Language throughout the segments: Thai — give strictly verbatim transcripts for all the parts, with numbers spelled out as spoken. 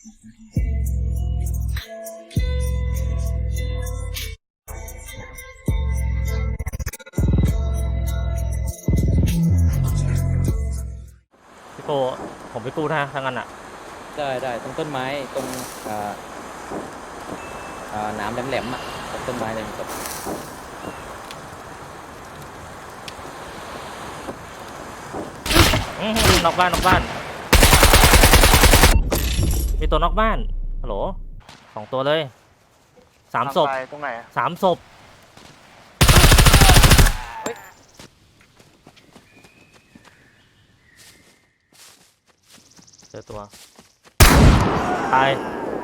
พี่โกผมไปกู้นะทั้งนั้นอ่ะได้ได้ตรงต้นไม้ตรงอ่าอ่าน้ำแหลมๆอ่ะตรงต้นไม้เลยครับนอกบ้านนอกบ้านมีตัวนอกบ้านฮัลโหลสองตัวเลยสามศพตรงไหนสามศพเจอตัวตาย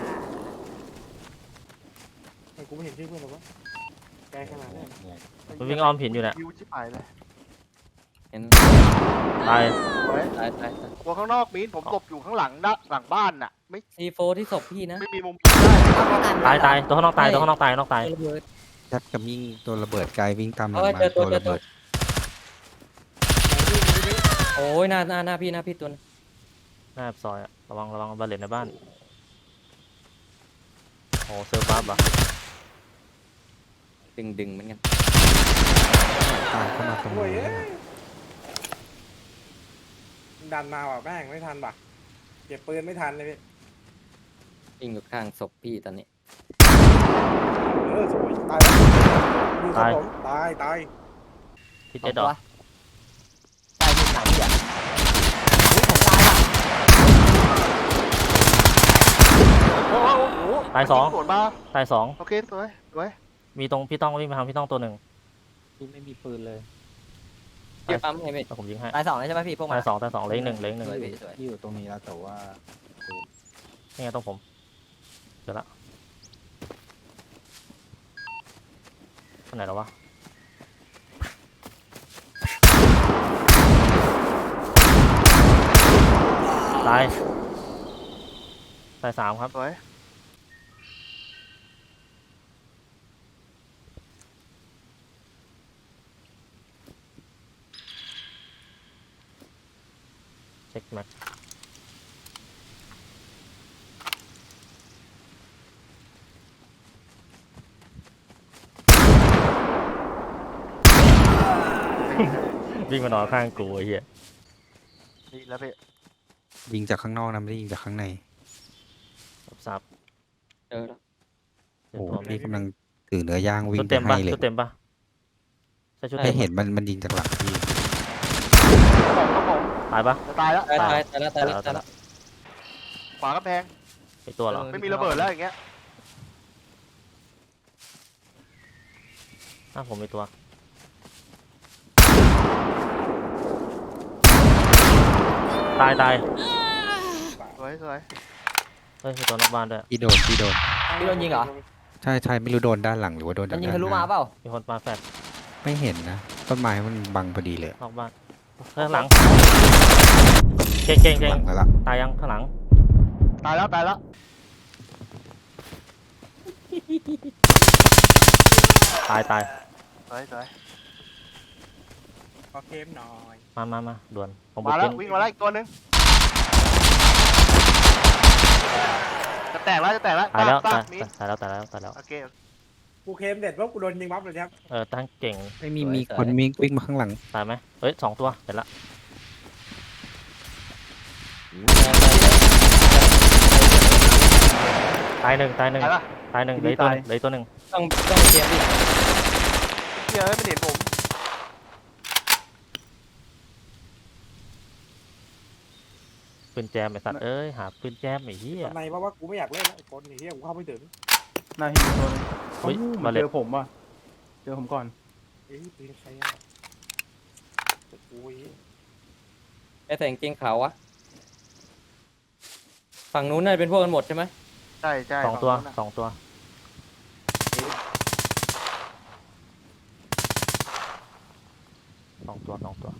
กูไม่เห็นชื่อเพื่อนหรอวะแกขนาดนี้มันวิ่งอ้อมหินอยู่เนี่ยยิวชิบหายเลยเห็นตายไว้ตายตายตายตัวข้างนอกมีนผมหลบอยู่ข้างหลังด้านหลังบ้านน่ะไม่ซีโฟที่ศพพี่นะไม่มีมุมตายตายตัวข้างนอกตายตัวข้างนอกตายนอกตายระเบิดยัดกับยิงตัวระเบิดไกลวิ่งตามหลังเออมาเจอตัวตัวระเบิดโอ้ยหน้าหน้าหน้าพี่หน้าพี่ตัวนึงหน้าซอยอะระวังระวังบาเลตในบ้านโอ้เซอร์บัฟอ่ะดึงดึงเหมือนกันตามเข้ามาตรงโอ้ยนี้ดันมาว่ะแม่งไม่ทันป่ะเก็บปืนไม่ทันเลยพี่วิ่งอยู่ข้างศพพี่ตอนนี้เออสวยตายแล้วดูครับผมตายตายที่เจ็ดดอกตายที่ไหนอ่ะเฮ้ยผมตายอ่ะโอ้โหโอ้โหตายสองสวนมาตายสองโอเคสวยสวยมีตรงพี่ต้องวิ่งไปทางพี่ต้องตัวหนึ่งพี่ไม่มีปืนเลยพี่ปั๊มให้พี่แล้วผมยิงให้ตายสองเลยใช่ไหมพี่พวกมันตายสองตายสองเหลยหนึ่งเหลยหนึ่งสวยพี่สวยที่อยู่ตรงนี้แล้วแต่ว่านี่ไงต้องผมเจอละอันไหนแล้ววะตายตายสามครับสวยเช็คแม็กวิ่งมานอนข้างกูไอ้เหี้ยนี่แล้วพี่ยิงจากข้างนอกนะไม่ได้ยิงจากข้างในสับเจอแล้วเจอโอ้ตัวพี่กำลังถือเนื้อย่างวิ่ชุงดไปเต็มให้ปะเลยชุดเต็มปะใช่ชุดไม่เต็มเห็นมันมันยิงจากหลังพี่ผมครับผมตายปะจะตายแล้วตายตายตายแล้วตายแล้วตายแล้วขวากระแพงไอตัวเหรอไม่มีระเบิดแล้วอย่างเงี้ยหน้าผมมีตัวตายตายสวยสวยเฮ้ยมีตัวนอกบ้านด้วยพี่โดนพี่โดนพี่โดนยิงเหรอใช่ใช่ไม่รู้โดนด้านหลังหรือว่าโดนมัจาน กยิงด้านทะลุหมาน้าเปล่ามีคนปาแฟดไม่เห็นนะต้นไม้มันบังพอดีเลยนอกบ้านข้างหลังเก่งเก่งเก่งหลังแล้วล่ะตายยังข้างหลังตายแล้วตายแล้วตายตายสวยสวยขอเคมหน่อยมามามาด่วนผมบุมาก แล้วขึ้นวิ่งมาแล้วอีกตัวหนึงจะแตกแล้วจะแตกแล้วตายแล้วตั้ตาง ยมีตายแล้วตายแล้วตายแล้วโอเคกูเคมเด็ดว่ากูโดนยิงบัฟเลยครับเออตั้งเก่งไม่มีมีคนวิ่งวิ่งมาข้างหลังตายไหมเฮ้ยสองตัวเสร็จละตายหนึ่งตายหนึ่งตายปะตายหนึ่งเหลยตัวหนึ่งเหลยตัวหนึ่งต้องต้องเตรียมดิเฮียไม่เห็นผมปืนแจมไอสัตว์เอ้ยหาปืนแจมไอ้เหี้ยทำไมว่าว่ากูไม่อยากเล่นแล้วไอ้คนไอ้เหี้ยกูเข้าไม่ถึงหน้าหินตัวนึงเฮ้ยเหมืมาอนเลยเจอผมว่ะเจอผมก่อนเอ้ยปืนใครอ่ะแต่กูไอ้เหี้ยไอ้แต่งเกงขาววะฝั่งนู้นน่าจะเป็นพวกกันหมดใช่ไหมใช่ใช่สองตัวฝั่นู้นน่ะสองตัวสองตัวสองตัว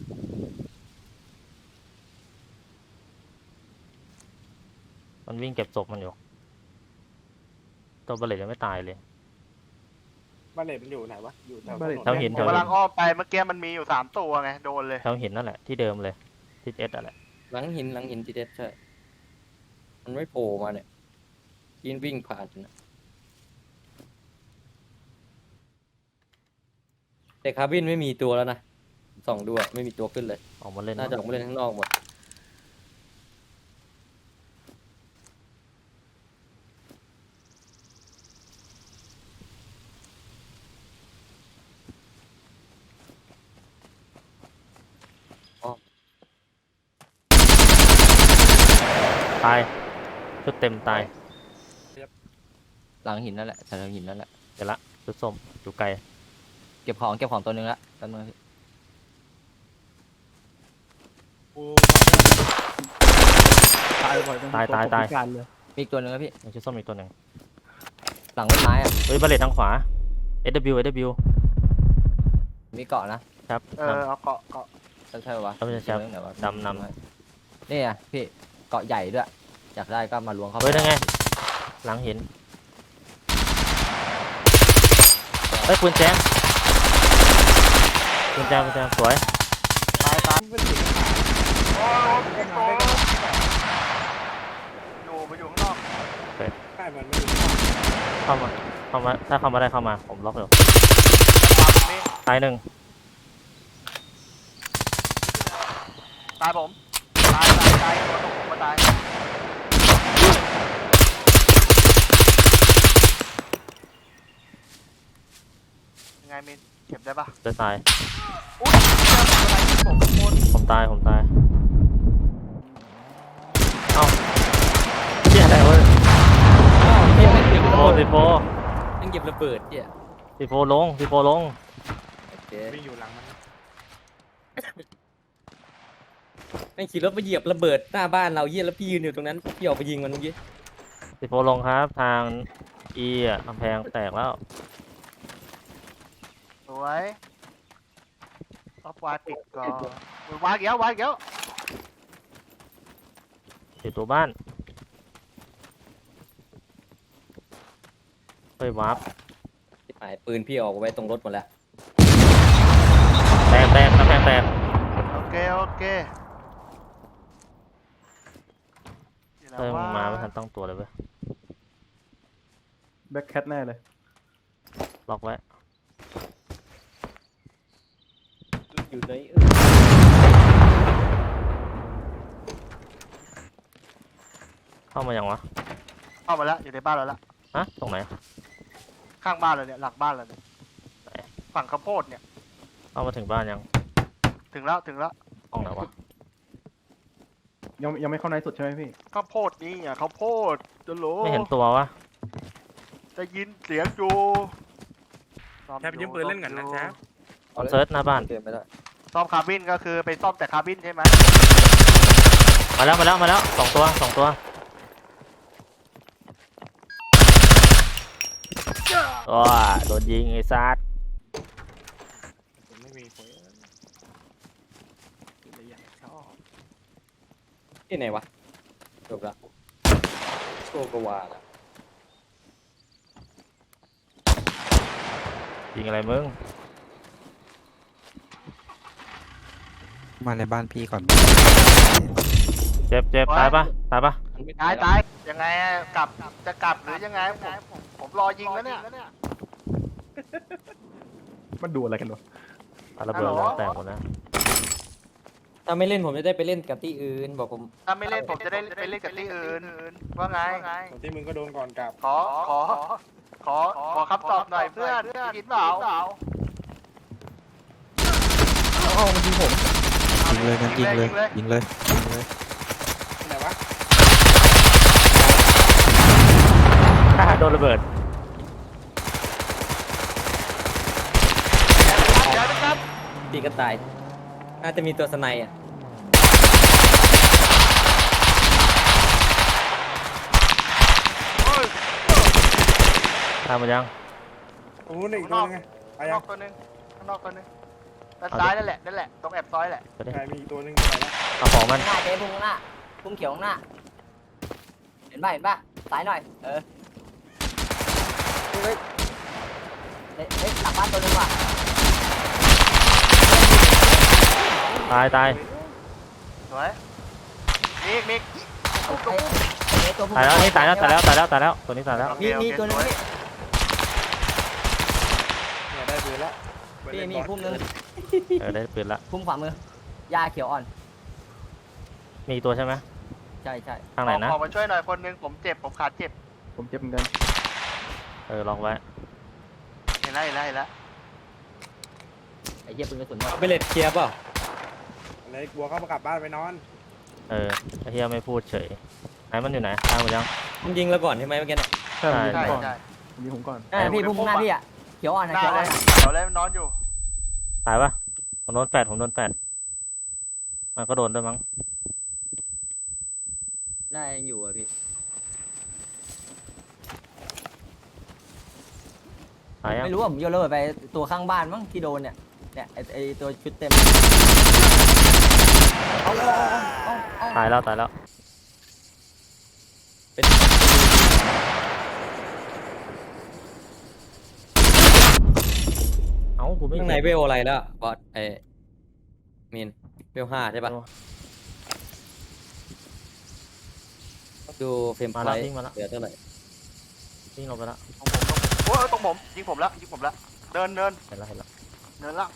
มันวิ่งเก็บศพมันอยู่ตัวบาเลตยังไม่ตายเลยบ้านเลดมันอยู่ไหนวะอยู่แถวบ้านเลดแถวหินผแถมวกำหิลันงอ้อมไปเมื่อกี้มันมีอยู่สามตัวไงโดนเลยแถวหินนั่นแหละที่เดิมเลยที่เอสอะไรหลังหินหลังหินทีเด็ดใช่มันไม่โผล่มาเนี่ยยินวิ่งผ่านนะแต่คาร์บินไม่มีตัวแล้วนะส่องดูอะไม่มีตัวขึ้นเลยออกมาเล่นน่าจะออกมาเล่นข้างนอกหมดอ๋อตายชุดเต็มตายหลังหินนั่นแหละแถวหินนั่นแหละเดี๋ยวละชุดส้มอยู่ไกลเก็บของเก็บของตัวหนึงละแป๊บนึงพี่ตายบ่อยจังตายตายตายพิการเลยมีอีกตัวหนึงแล้วพี่มีชุดส้มอีกตัวหนึ่งหลังต้นไม้อะเฮ้ยบาเลตทางขวา เอ ว เอ วมีเกาะนะครับเออเอาเกาะเกาะใช่ใช่ปะวะครับพี่แชมป์เดี๋ยวก่อนดำนนี่ไงพี่เกาะใหญ่ด้วยอยากได้ก็มาล้วงเข้าไปเฮ้ยนั่นไงหลังหินเฮ้ยปืนแจมปืนแจมปืนแจมสวยตายตายโอ้ยพี่โตอยู่ไปอยู่ข้างนอกใช่มันไม่รู้เข้ามาเข้ามาถ้าเข้ามาได้เข้ามาผมล็อกอยู่นี่ตายหนึ่งตายผมตายตายตายตัวตกผมมาตายยังไงมินเก็บได้ปะจะตายอุ้ยเจออะไรที่ผมขโมยผมตายผมตายเอ้าเชี่ยอะไรวะอ้าวเฮียไม่เก็บโฟสิโฟยังเก็บระเบิดเนี่ยสิโฟลงสิโฟลงโอเควิ่งอยู่หลังมันแม่งขี่รถมาเหยียบระเบิดหน้าบ้านเราเยี่ยแล้วพี่ยืนอยู่ตรงนั้นพี่ออกไปยิงมันเมื่อกี้สิโฟลงครับทางอีอ่ะกำแพงแตกแล้วสวยเอาวาดติดก่อนวาดเกี้ยววาดเกี้ยวอยู่ตัวบ้านเฮ้ยวาร์ปที่หายปืนพี่ออกไว้ตรงรถหมดแล้วแตกแตกกำแพงแตกโอเคโอเคนี่แหละเฮ้ยมึงว่ามาไม่ทันตั้งตัวเลยเว้ยแบ็คแคทแน่เลยล็อกไว้อยู่ในเข้ามายังวะเข้ามาแล้วอยู่ในบ้านเราแล้วฮะตรงไหนข้างบ้านเราเนี่ยหลังบ้านเราเนี่ยไหนฝั่งข้าวโพดเนี่ยเข้ามาถึงบ้านยังถึงแล้วถึงแล้วห้องไหนวะยังยังไม่เข้าในสุดใช่ไหมพี่ข้าวโพดนี่อ่ะข้าวโพดจะรู้ไม่เห็นตัววะจะยินเสียงอยู่ซ่อมแทบยืมปืนเล่นกันนะแชมป์ผมเซิร์ชหน้าบ้านเก็บไม่ได้ซ่อมคาร์บินก็คือไปซ่อมแต่คาร์บินใช่ไหมมาแล้วมาแล้วมาแล้วสองตัวสองตัวว้าโดนยิงไอ้ซัดผมไม่มีคนเลยอยากชอบที่ไหนวะจบละโชกวาละยิงอะไรมึงมาในบ้านพี่ก่อนเจ็บเจ็บตายปะตายปะตายตายยังไงอะกลับจะกลับหรือยังไงผมผมผมรอยิงแล้วเนี่ยมันดูอะไรกันวะปาระเบิดฮัลโหลแล้วแตกหมดแล้วถ้าไม่เล่นผมจะได้ไปเล่นกับที่อื่นบอกผมถ้าไม่เล่นผมจะได้ไปเล่นกับที่อื่นว่าไงส่วนที่มึงก็โดนก่อนกลับขอขอขอขอคำตอบหน่อยเพื่อนกินเปล่าอ๋อมันยิงผมยิงเลยงั้นยิงเลยยิงเลยยิงเลยที่ไหนวะโดนระเบิดเดี๋ยวนะครับตีก็ตายน่าจะมีตัวสไนอ่ะโอ้ยตามมายังตรงนู้นอีกตัวนึงไงไปข้างนยัอง กตัวนึงข้างนอกตัวนึงด้านซ้ายนั่นแหละนั่นแหละตรงแอบซ้อยแหละไปดิใช่มีอีกตัวนึงไปแล้วเอาของมันข้างหน้าเจ๊พุ่งข้างหน้าพุ่งเขียวข้างหน้าเห็นป่ะเห็นป่ะซ้ายหน่อยเออเฮ้ยเฮ้ยเฮ้ยหลังบ้านตัวหนึงว่ะตายตายสวยมีอีกมีอีกปุ๊บไอ้ไอ้ตัวผู้ตายแล้วนี่ตายแล้วตายแล้วตายแล้วตายแล้วตัวนี้ตายแล้วมีมีตัวนึงพี่เนี่ยได้ปืนแล้วพี่มีพุ่มนึงเออได้ปืนละพุ่มขวามือยาเขียวอ่อนมีอีกตัวใช่ไหมใช่ใช่ทางไหนนะออกมาช่วยหน่อยคนนึงผมเจ็บผมขาดเจ็บผมเจ็บเหมือนกันเออลองไว้เห็นแล้วเห็นแล้วเห็นแล้วไอ้เหี้ยปืนกระสุนหมดเอาไปเลดเคลียร์เปล่าอะไรกลัวเข้ามากลับบ้านไปนอนเออไอ้เฮียไม่พูดเฉยไหนมันอยู่ไหนตายหมดยังมึงยิงแล้วก่อนใช่ไหมเมื่อกี้น่ะใช่ผมยิงใช่ก่อนใช่ผมยิงผมก่อนเออพี่พุ่มข้างหน้าพี่อ่ะเขียวอ่อนหนะน้าเขียวเลอ่อนยเดี๋ยวเลยมันนอนอยู่ตายปะผมโดนแปดผมโดนแปดมันก็โดนด้วยมั้งน่ายังอยู่อ่ะพี่ตายยังไม่รู้ว่าผมโยนระเบิดไปตัวข้างบ้านมั้งที่โดนเนี่ยเนี่ยไอ้ไอ้ตัวชุดเต็มเอาเอาเอาเอาตายแล้วตายแล้วเป็นเอ้ากูไม่ข้างในเห็เวลอะไรแล้วบอสไอ้มีนเวลห้าใช่ปะดูเฟรมไพมาลแล้วท์วิ่งมาแล้วเหลือเท่าไหร่วิ่งลงไปแล้วตรงผมตรงโอ้ยตรงผมยิงผมแล้วยิงผมแล้วเดินเดินเห็นแล้วเห็นแล้วเดินแล้ว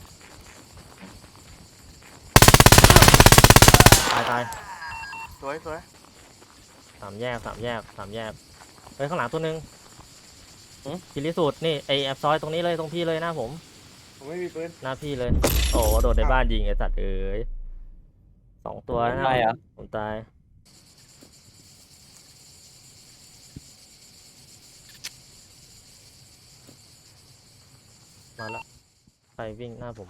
ตายตายสวยสวยสามแยกสามแยกสามแยกเฮ้ยข้างหลังตัวหนึงกิริสูตรนี่ไอแอบซอยตรงนี้เลยตรงพี่เลยหน้าผมผมไม่มีปืนหน้าพี่เลย โอ้โดดในบ้านยิงไอ้สัตว์เอ้ยสองตัวนะตายเหรอผมตายมาแล้วใครวิ่งหน้าผม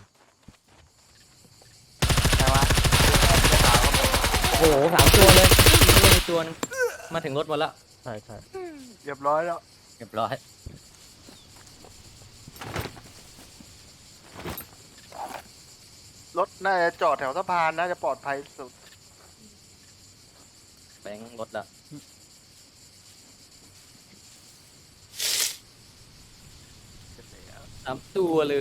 ใช่ไหมโอ้โหสามตัวเลยยิงเลยตัวนึงมาถึงรถหมดแล้วใช่ใช่เรียบร้อยแล้วเรียบร้อยรถน่าจะจอดแถวสะพานน่าจะปลอดภัยสุดแบงค์รถละสามตัวเลย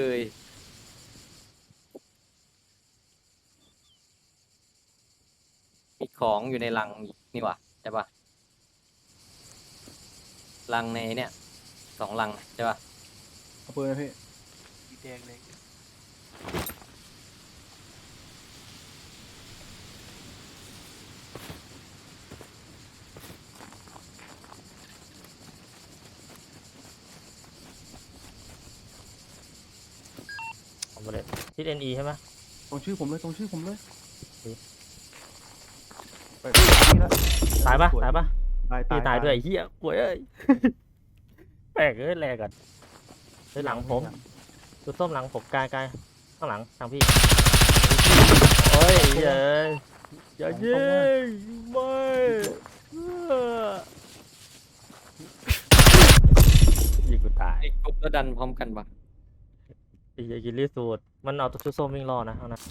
มีของอยู่ในลังนี่หว่าใช่ปะลังในเนี่ยสองลังใช่ปะเอาปืนนะพี่สีแดงเลยผมไปเลยทิศเอ็นอีใช่ไหมตรงชื่อผมเลยตรงชื่อผมเลยดีไปนี่ละตายปะสวตายปะตายพี่ตายด้วยไอ้เหี้ยป่วยเอ้ย แปลกเอ้ยแลกกันเฮ้ยหลังผมดูส้มหลังผมกายกายข้างหลังทางพี่โอ้ยเย้ยอย่ายิงไม่เออยิงกูตายไอ้กบแล้วดันพร้อมกันปะไอ้เหี้ยกินรีสูตรมันเอาตัวชุดส้มวิ่งรอนะเอานะ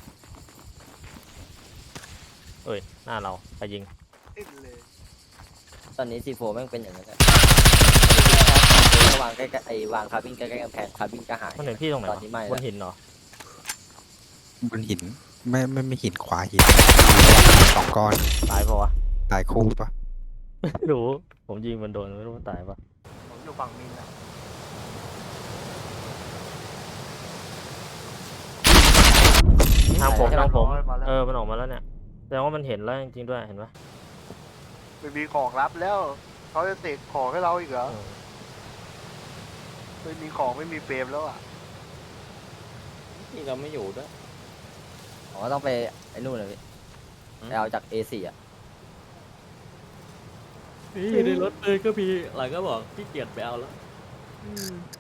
เอ้ยหน้าเราไปยิงอินเลยตอนนี้ซีโฟแม่งเป็นอย่างนั้นแหละวางใกล้ๆไอ้วางคาบินใกล้ๆกำแพงคาบินก็หายมันเห็นพี่ตรงไหนตอวะนนี้ไม่บแล้วนหินเหรอบนหินไม่ไม่ไม่หินขวาหินสองก้อนตายปะวะตายคู่ปะไม่รู้ผมยิงมันโดนไม่รู้มันตายปะผมอยู่ฝั่งมินนะทางผมทางผมมาแล้วเออมันออกมาแล้วเนี่ยแสดงว่ามันเห็นแล้วจริงๆด้วยเห็นปะไม่มีของรับแล้วเขาจะเสกของให้เราอีกเหรอเออไม่มีของไม่มีเฟรมแล้วอ่ะนี่เราไม่อยู่ด้วยผมก็ต้องไปไอ้นู่นเลยพี่ไปเอาจาก เอ สี่ อ่ะอยู่ในรถเลยก็มีหลังก็บอกขี้เกียจไปเอาแล้ว